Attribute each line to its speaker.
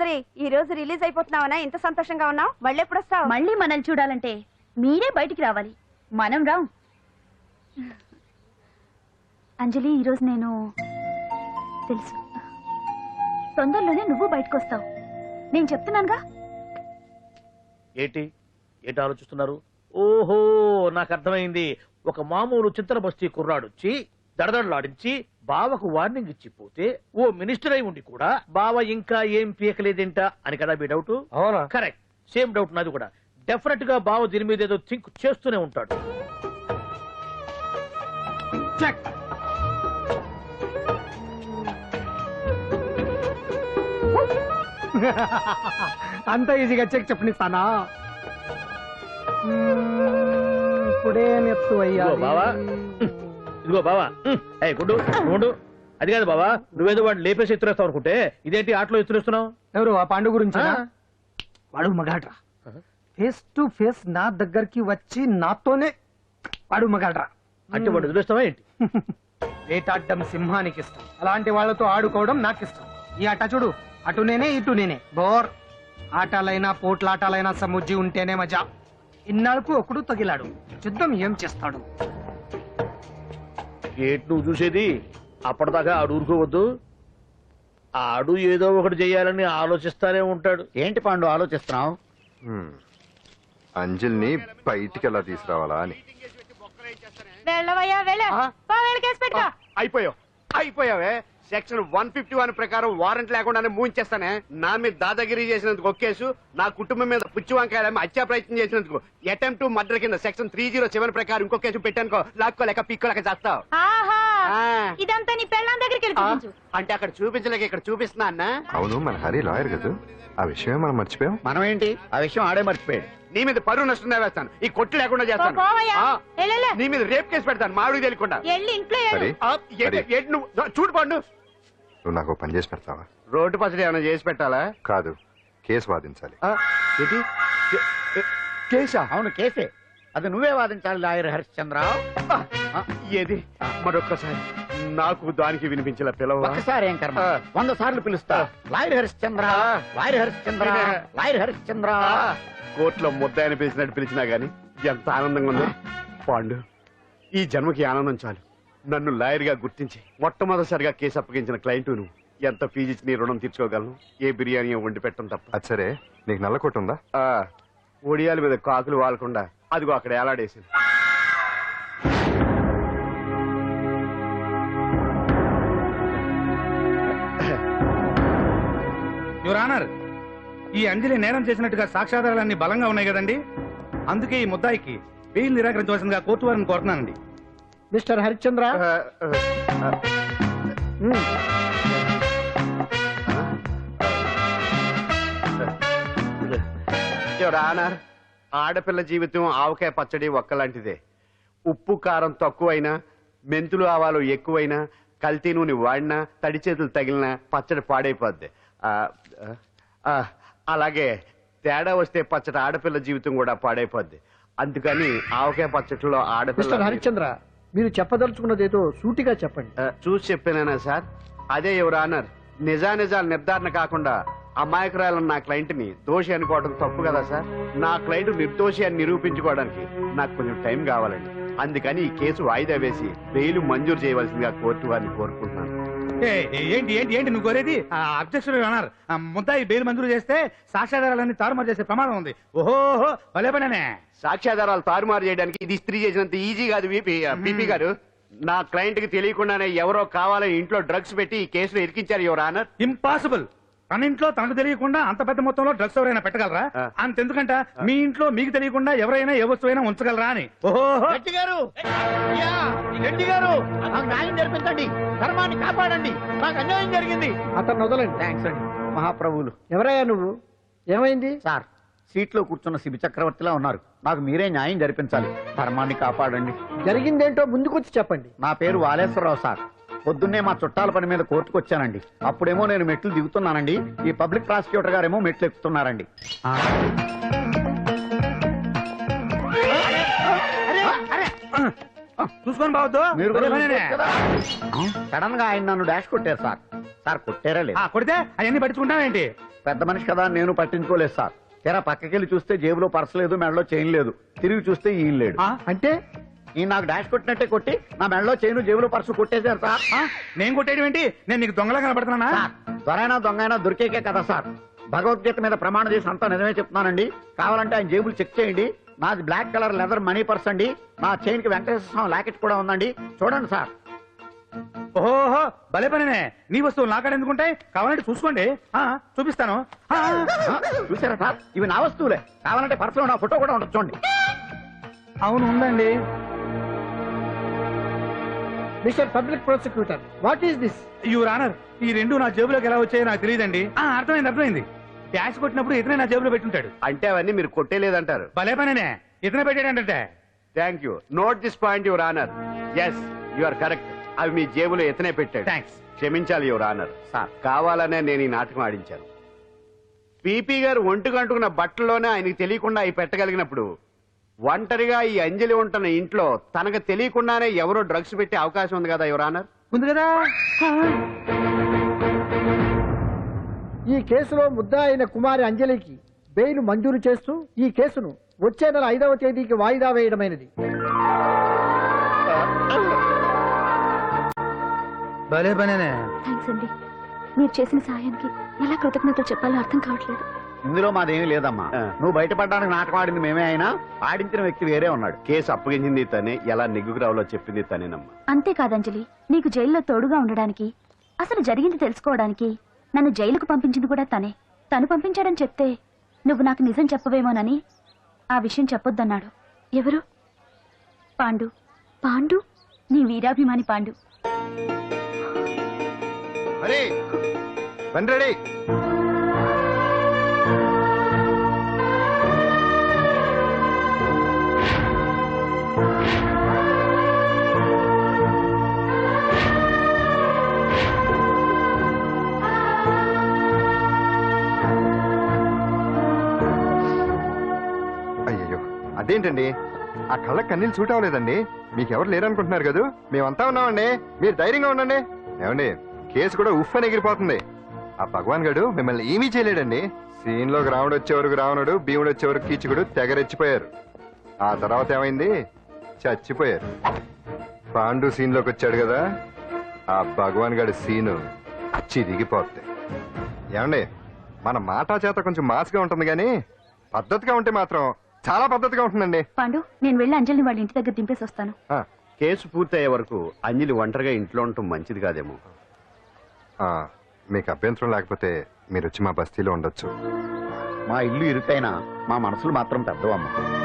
Speaker 1: సుందరి, ఈ రోజు రిలీజ్ అయిపోతున్నావనా? ఇంత సంతోషంగా ఉన్నావు? మళ్ళీ ఎప్పుడు వస్తావు?
Speaker 2: మళ్ళీ మనల్ని చూడాలంటే మీరే బయటికి రావాలి, మనం రాం. అంజలి, ఈరోజు నేను తెలుసు తొందరలోనే నువ్వు బయటకు వస్తావు, నేను చెప్తున్నానుగా.
Speaker 3: ఏంటి ఏంటి ఆలోచిస్తున్నారు? ఓహో, నాకు అర్థమైంది. ఒక మామూలు చింతన బస్తీ కుర్రాడొచ్చి దడదడలాడించి బావకు వార్నింగ్ ఇచ్చిపోతే ఓ మినిస్టర్ అయి ఉండి కూడా బావ ఇంకా ఏం పీకలేదేంట అని కదా మీ డౌట్?
Speaker 4: అవునా?
Speaker 3: కరెక్ట్, సేమ్ డౌట్ నాది కూడా. డెఫినెట్ గా బావ దీని మీద ఏదో థింక్ చేస్తూనే ఉంటాడు.
Speaker 4: అంత ఈజీగా చెక్ చెప్పనిస్తానా? ఇప్పుడే నెత్తు అయ్యా.
Speaker 3: ఇదిగో బావా, గుడ్డు గుండు. అది కాదు బావా, నువ్వేదో వాడిని లేపేసి ఎత్తురేస్తావు అనుకుంటే ఇదేంటి ఆటలో ఎత్తురేస్తున్నావు?
Speaker 4: ఎవరు ఆ పాండు గురించి? వాడు మగాడ్రా, ఫేస్ టు ఫేస్ నా దగ్గరికి వచ్చి నాతోనే వాడు మగాడ్రా.
Speaker 3: అంటే వాడు ఎదురేస్తావా ఏంటి?
Speaker 4: వేటాడ్డం సింహానికి ఇష్టం, అలాంటి వాళ్ళతో ఆడుకోవడం నాకు ఇష్టం. ఈ ఆట చూడు, అటు నేనే ఇటు నేనే. బోర్. ఆటలైనా పోట్లాటాలైనా సముజ్జి ఉంటేనే మజా. ఇన్నాళ్ళకు ఒకడు తగిలాడు, యుద్ధం ఏం చేస్తాడు?
Speaker 3: ఏంటి నువ్వు చూసేది? అప్పటిదాకా ఆడు ఊరుకోవద్దు. ఆడు ఏదో ఒకటి చెయ్యాలని ఆలోచిస్తానే ఉంటాడు.
Speaker 5: ఏంటి పాండు ఆలోచిస్తున్నావు?
Speaker 6: అంజలిని బయటికి ఎలా తీసుకురావాలా అని.
Speaker 7: అయిపోయావే. సెక్షన్ 151 ప్రకారం వారెంట్ లేకుండానే మూయించేస్తానే. నా మీద దాదాగిరి చేసినందుకు ఒక కేసు, నా కుటుంబం మీద పుచ్చి వంకాయ హత్యా ప్రయత్నం చేసినందుకు అటెంప్ట్ టు మర్డర్ కింద సెక్షన్ 307 ప్రకారం ఇంకో కేసు పెట్టానుకో, లాక్కోలేక పిక్కోలేక చేస్తావు.
Speaker 2: ఇదంతా నీ పెళ్ళాం దగ్గరికి వెళ్ళి
Speaker 7: అంటే అక్కడ చూపించలేక ఇక్కడ చూపిస్తున్నా అన్న.
Speaker 6: అవును, మన హరి లాయర్ కదా, ఆ విషయమే మనం మర్చిపోయాం.
Speaker 5: మనం ఏంటి ఆ విషయం ఆడే మర్చిపోయాడు.
Speaker 7: నీ మీద పరువు నష్టం వేస్తాను, ఈ కొట్టు లేకుండా చేస్తాను. నీ మీద రేప్ కేసు పెడతాను మాడికి తెలియకుండా. చూడు పండు,
Speaker 6: నువ్వు నాకు పని చేసి పెడతావా?
Speaker 7: రోడ్డు పసడి ఏమైనా చేసి పెట్టాలా?
Speaker 6: కాదు, కేసు వాదించాలి.
Speaker 7: కేసా?
Speaker 5: అవును కేసే, అది నువ్వే వాదించాలి లాయర్ హరిశ్చంద్ర.
Speaker 7: ఏది మరొక్కసారి నాకు దానికి వినిపించిన పిలవ.
Speaker 5: ఒక్కసారి ఏం కర్మ, 100 సార్లు పిలుస్తా. Lawyer Harishchandra, lawyer Harishchandra, lawyer Harishchandra.
Speaker 7: కోర్టులో ముద్దాయని పిలిచినట్టు పిలిచినా గాని ఎంత ఆనందంగా ఉంది పాండు. ఈ జన్మకి ఆనందం చాలు. నన్ను లాయర్ గా గుర్తించి మొట్టమొదటిసారిగా కేసు అప్పగించిన క్లయింట్ నువ్వు. ఎంత ఫీజు నీ రుణం తీర్చుకోగలను? ఏ బిర్యానీ వండి పెట్టడం తప్ప.
Speaker 6: అది సరే, నీకు నల్ల కొట్టు ఉందా?
Speaker 7: ఒడియాల మీద కాకులు వాలకుండా అదిగో అక్కడ ఏలాడేసింది.
Speaker 8: యువర్ ఆనర్, ఈ అంజలి నేరం చేసినట్టుగా సాక్ష్యాధారాలన్నీ బలంగా ఉన్నాయి కదండి. అందుకే ఈ ముద్దాయికి బెయిల్ నిరాకరించవలసిందిగా కోర్టు వారిని కోరుతున్నానండి.
Speaker 4: మిస్టర్ హరిశ్చంద్ర,
Speaker 7: యువర్ ఆనర్, ఆడపిల్ల జీవితం ఆవకాయ పచ్చడి ఒక్కలాంటిదే. ఉప్పు కారం తక్కువైనా, మెంతులు ఆవాలు ఎక్కువైనా, కల్తీ నూనె వాడినా, తడి చేతులు తగిలినా పచ్చడి పాడైపోద్ది. అలాగే తేడా వస్తే పచ్చడి ఆడపిల్ల జీవితం కూడా పాడైపోద్ది. అందుకని ఆవకాయ పచ్చడిలో ఆడపిల్ల.
Speaker 4: హరిశ్చంద్ర, మీరు చెప్పదలుచుకున్నది ఏదో సూటిగా చెప్పండి.
Speaker 7: చూసి చెప్పానా సార్? అదే యువర్ ఆనర్, నిజానిజాలు నిర్ధారణ కాకుండా అమాయకురాలను నా క్లయింట్ ని దోషి అనుకోవడం తప్పు కదా సార్? నా క్లయింట్ నిర్దోషి అని నిరూపించుకోవడానికి నాకు కొంచెం టైం కావాలండి. అందుకని ఈ కేసు వాయిదా వేసి బెయిల్ మంజూరు చేయవలసిందిగా కోర్టు వారిని కోరుకుంటున్నాను.
Speaker 8: ఏంటి ఏంటి ఏంటి నువ్వు కోరేది? అబ్జెక్షన్ యువర్ ఆనర్, ముద్దాయి బెయిల్ మంజూరు చేస్తే సాక్ష్యాధారాలన్నీ తారుమారు చేసే ప్రమాదం ఉంది. ఓహో భలే పనేనే.
Speaker 7: సాక్ష్యాధారాలు తారుమారు చేయడానికి ఇది స్త్రీ చేసినంత ఈజీ కాదు బీపీ గారు. నా క్లయింట్ కి తెలియకుండానే ఎవరో కావాలని ఇంట్లో డ్రగ్స్ పెట్టి ఈ కేసులో ఇరికించారు యువర్ ఆనర్.
Speaker 8: ఇంపాసిబుల్. తన ఇంట్లో తనకు తెలియకుండా అంత పెద్ద మొత్తంలో డ్రగ్స్ ఎవరైనా పెట్టగలరా? అంతెందుకంట మీ ఇంట్లో మీకు తెలియకుండా ఎవరైనా ఏ వస్తువైనా ఉంచగలరా అని. ఓహో
Speaker 5: గారు, నాకు న్యాయం జరిపించండి, ధర్మాన్ని కాపాడండి, నాకు అన్యాయం జరిగింది.
Speaker 4: అతను వదలండి.
Speaker 5: థ్యాంక్స్ అండి మహాప్రభువులు.
Speaker 4: ఎవరయ్యా నువ్వు? ఏమైంది
Speaker 5: సార్? సీట్లో కూర్చున్న శిబి చక్రవర్తిలా ఉన్నారు. నాకు మీరే న్యాయం జరిపించాలి, ధర్మాన్ని కాపాడండి.
Speaker 4: జరిగిందేంటో ముందుకొచ్చి చెప్పండి.
Speaker 5: నా పేరు వాలేశ్వరరావు సార్. పొద్దున్నే మా చుట్టాల పని మీద కోర్టుకు వచ్చానండి. అప్పుడేమో నేను మెట్లు దిగుతున్నానండి, ఈ పబ్లిక్ ప్రాసిక్యూటర్ గారేమో మెట్లు ఎక్కుతున్నారండి.
Speaker 8: చూసుకొని బావద్దు.
Speaker 5: మీరు సడన్ గా ఆయన నన్ను డాష్ కొట్టారు సార్. సార్ కొట్టారా లేదు
Speaker 8: కొడితే అవన్నీ పట్టించుకుంటావేంటి?
Speaker 5: పెద్ద మనిషి కదా అని నేను పట్టించుకోలేదు సార్. తెర పక్కకెళ్ళి చూస్తే జేబులో పర్స్ లేదు, మెడలో చైన్ లేదు. తిరిగి చూస్తే ఈయన లేడు.
Speaker 4: అంటే
Speaker 5: ఈ నాకు డాష్ కొట్టినట్టే కొట్టి నా మెడలో చైన్ జేబులో పర్సు కొట్టేశారు సార్.
Speaker 8: నేను కొట్టేయడం ఏంటి? నేను నీకు దొంగలా కనబడుతున్నానా?
Speaker 5: సార్, దొరైనా దొంగైనా దొరికేకే కదా సార్. భగవద్గీత మీద ప్రమాణం చేసి అంతా నిజమే చెప్తున్నానండి. కావాలంటే ఆయన జేబులు చెక్ చేయండి. నాది black colour leather money purse అండి. నా చైన్ కి వెంకటేశ్వర స్వామి లాకెట్ కూడా ఉందండి. చూడండి సార్.
Speaker 8: ఓహో భలే పనినే. నీ వస్తువులు నాకాడ ఎందుకుంటాయి? కావాలంటే చూసుకోండి, చూపిస్తాను.
Speaker 5: చూసారా సార్, ఇవి నా వస్తువులే. కావాలంటే పర్సులో నా ఫోటో కూడా ఉండదు, చూడండి.
Speaker 8: అవును ఉందండి.
Speaker 4: Mister public prosecutor, what is this?
Speaker 8: Your honour, ఈ రెండు నా జేబులోకి ఎలా వచ్చాయో నాకు తెలియదండి. అర్థమైంది. డాష్ కొట్టినప్పుడు ఇతనే నా జేబులో పెట్టుంటాడు.
Speaker 7: అంటే అవన్నీ మీరు కొట్టేలేదంటారు.
Speaker 8: భలే పనినే, ఇతనే పెట్టాడంటే.
Speaker 7: Thank you. Note this point your honour. Yes, you are correct. అవి మీ జేబులో ఎతనే పెట్టాడు.
Speaker 8: థ్యాంక్స్.
Speaker 7: క్షమించాలి యువర్ ఆనర్. సార్, కావాలనే నేను ఈ నాటకం ఆడించాను. పీపీ గారు ఒంటికి అంటుకున్న బట్టల్లోనే ఆయనకి తెలియకుండా అవి పెట్టగలిగినప్పుడు, ఒంటరిగా ఈ అంజలి ఉంటున్న ఇంట్లో తనకు తెలియకుండానే ఎవరో డ్రగ్స్ పెట్టే అవకాశం ఉంది కదా యువర్ ఆనర్.
Speaker 4: ఉంది కదా. ఈ కేసులో ముద్దా అయిన కుమారి అంజలికి బెయిల్ మంజూరు చేస్తూ ఈ కేసును వచ్చే నెల 5వ తేదీకి వాయిదా వేయడమైనది.
Speaker 8: భలే పనినే.
Speaker 2: థ్యాంక్స్ అండి. మీరు చేసిన సహాయానికి ఎలా కృతజ్ఞతలు చెప్పాలో అర్థం కావట్లేదు.
Speaker 5: ఇందులో మాదేమీ లేదమ్మా. నువ్వు బయటపడడానికి నాటకం ఆడింది మేమే అయినా ఆడించిన వ్యక్తి వేరే ఉన్నాడు.
Speaker 7: కేసు అప్పగించింది తనే, ఎలా నెగ్గుకు రావాలో చెప్పింది తనేనమ్మా.
Speaker 2: అంతేకాదంజలి, నీకు జైల్లో తోడుగా ఉండడానికి, అసలు జరిగింది తెలుసుకోవడానికి నన్ను జైలుకు పంపించింది కూడా తనే. తను పంపించాడని చెప్తే నువ్వు నాకు నిజం చెప్పవేమోనని ఆ విషయం చెప్పొద్దన్నాడు. ఎవరు? పాండు. పాండు, నీ వీరాభిమాని పాండు.
Speaker 6: అరే రెడీ. అయ్యయ్యో, అదేంటండి? ఆ కళ్ళకి కన్నీళ్ళు సూట్ అవ్వలేదండి. మీకెవరు లేరనుకుంటున్నారు కదా? మేమంతా ఉన్నామండి, మీరు ధైర్యంగా ఉండండి. ఏమండి, కేసు కూడా ఉఫ్ అని ఎగిరిపోతుంది. ఆ భగవాన్ గడు మిమ్మల్ని ఏమీ చేయలేడండి. సీన్ లోకి రావణుడు వచ్చే వరకు రావణుడు, భీముడు వచ్చే వరకు కీచుకుడు తెగరెచ్చిపోయారు. ఆ తర్వాత ఏమైంది? చచ్చిపోయారు. పాండు సీన్ లోకి వచ్చాడు కదా, ఆ భగవాన్ గడి సీను చిరిగిపోద్ది. ఏమండి, మన మాటా చేత కొంచెం మాస్గా ఉంటుంది కానీ పద్ధతిగా ఉంటే మాత్రం చాలా పద్ధతిగా ఉంటుందండి.
Speaker 2: పాండు, నేను వెళ్ళి అంజలిని వాళ్ళ ఇంటి దగ్గర దింపేసి వస్తాను.
Speaker 7: కేసు పూర్తయ్యే వరకు అంజలి ఒంటరిగా ఇంట్లో ఉండటం మంచిది కాదేమో.
Speaker 6: మీకు అభ్యంతరం లేకపోతే మీరు వచ్చి మా బస్తీలో ఉండొచ్చు.
Speaker 5: మా ఇల్లు ఇరుకైనా మా మనసులు మాత్రం పెద్దవమ్మ.